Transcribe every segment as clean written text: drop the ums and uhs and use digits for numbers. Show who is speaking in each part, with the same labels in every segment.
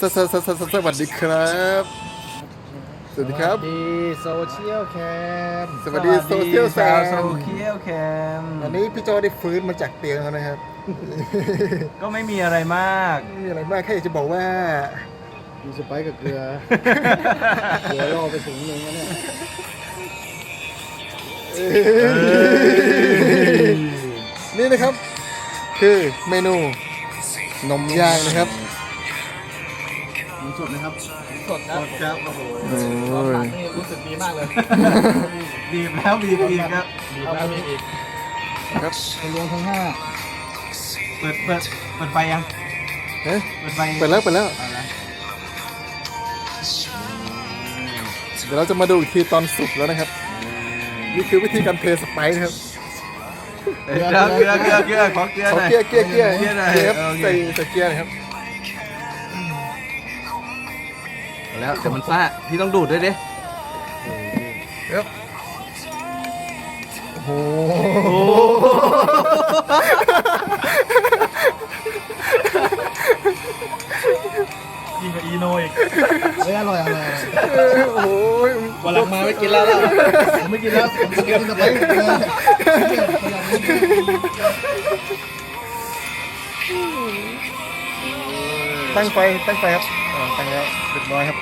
Speaker 1: สวัสดีครับสวัสดีครับ
Speaker 2: ดีโซเชียลแคม
Speaker 1: สวัสดีโซเชียลแซ
Speaker 3: โซ
Speaker 1: ม
Speaker 3: เชียลแคม
Speaker 1: วันนี้พี่โจได้ฟื้นมาจากเตียงแล้วนะครับ
Speaker 3: ก็ไม่มีอะไรมาก
Speaker 1: ไม่มีอะไรมากแค่อยากจะบอกว่า
Speaker 2: มีสไปซ์กับเกลือ เกลือล่อไปถึงนึงแล้วเนี่ย
Speaker 1: นี่นะครับ คือเมนูนมย่างนะครับ
Speaker 2: มีสดนะครับ
Speaker 3: สดครับ
Speaker 2: ครับโอ้โห
Speaker 1: โอ้ย
Speaker 2: นี่รู้สึกดีมากเลย
Speaker 3: บีบแล้วบีบอีกครับ
Speaker 2: ดีแล้วมีอีก
Speaker 1: ครับ
Speaker 2: รวมทั้งห้า
Speaker 3: เปิดไฟยัง
Speaker 1: เอ๊ะ
Speaker 3: เปิดไฟ
Speaker 1: เปิดแล้วเดี๋ยวเราจะมาดูอีกทีตอนสุกแล้วนะครับ นี่คือวิธีการเทสไปซ์นะครับ
Speaker 3: เกลือขอเกลือหน่
Speaker 1: ขอ
Speaker 3: อย
Speaker 1: เกียร์
Speaker 3: เกลือหน่อย
Speaker 1: เกียร์ครับ
Speaker 3: โอเค
Speaker 1: ใส่เกียร์นะครับ
Speaker 3: แล้วเดี๋ยวมันซ่าพี่ต้องดูดด้วยดิ
Speaker 1: ครับโอ้โห
Speaker 2: ยิ่งกับอีโนอีกเฮ้ยอร่อย
Speaker 1: โอ้โห
Speaker 2: วันหลังมาไม่กินแล้วผมไม่กินแล้วผมจะกินสไปซ์
Speaker 1: ตั้งไฟครับตั้งแล้วเรียบร้อยครับ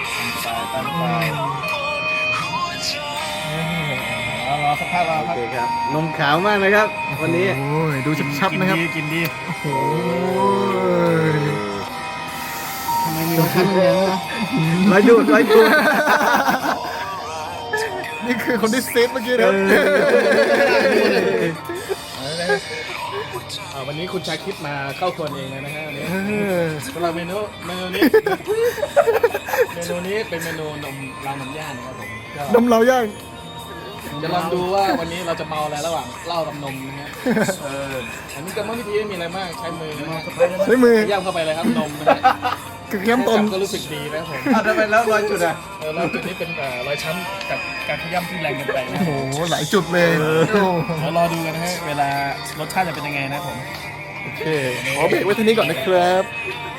Speaker 2: รอสักพักรอ
Speaker 3: โอ
Speaker 2: ครับ
Speaker 3: เคครับนมขาวมากนะครับ วันนี้
Speaker 1: โอ้ยดูชัดๆนะครับ
Speaker 2: กินดี
Speaker 1: โอ้ย
Speaker 2: ทำไมมีขั้นเลี้ยงนะ
Speaker 3: ร้อยดูด
Speaker 1: นี่คือคนที่เซฟเมื่อกี้นะครับ
Speaker 2: วันนี้คุณชาคิดมาเข้าครัวเองเลยนะฮะวันนี้
Speaker 1: เออ
Speaker 2: สำหรับเมนูนี้ เมนูนี้เป็นเมนูนมรางนมย่างนะครับผมก็
Speaker 1: นมเราย่าง
Speaker 2: จะลองดูว่าวันนี้เราจะเมาอะไรระหว่างเหล้ากับนมนะฮะอันนี้กรรมวิธีไม่มีอะไรมากใช้มือนะฮะ
Speaker 1: ใช้มือ
Speaker 2: ย่ำเข้าไปเลยครับนมนะฮะ
Speaker 1: คือขย้ำตน
Speaker 2: ก็รู้สึกดีนะครับผม
Speaker 3: ทำไมแล้วรอยจุดอ่ะ
Speaker 2: แล้วจุดนี้เป็นรอยช้ำจากการขย้ำที่แรงเกินไปนะ
Speaker 1: โอ้โหหลายจุดเลยโอ้
Speaker 2: เดี๋ยวรอดูกันนะฮะเวลารสชาติจะเป็นยังไงนะครับผม
Speaker 1: โอเคขอเบรกไว้ที่นี้ก่อนนะครับ
Speaker 2: ค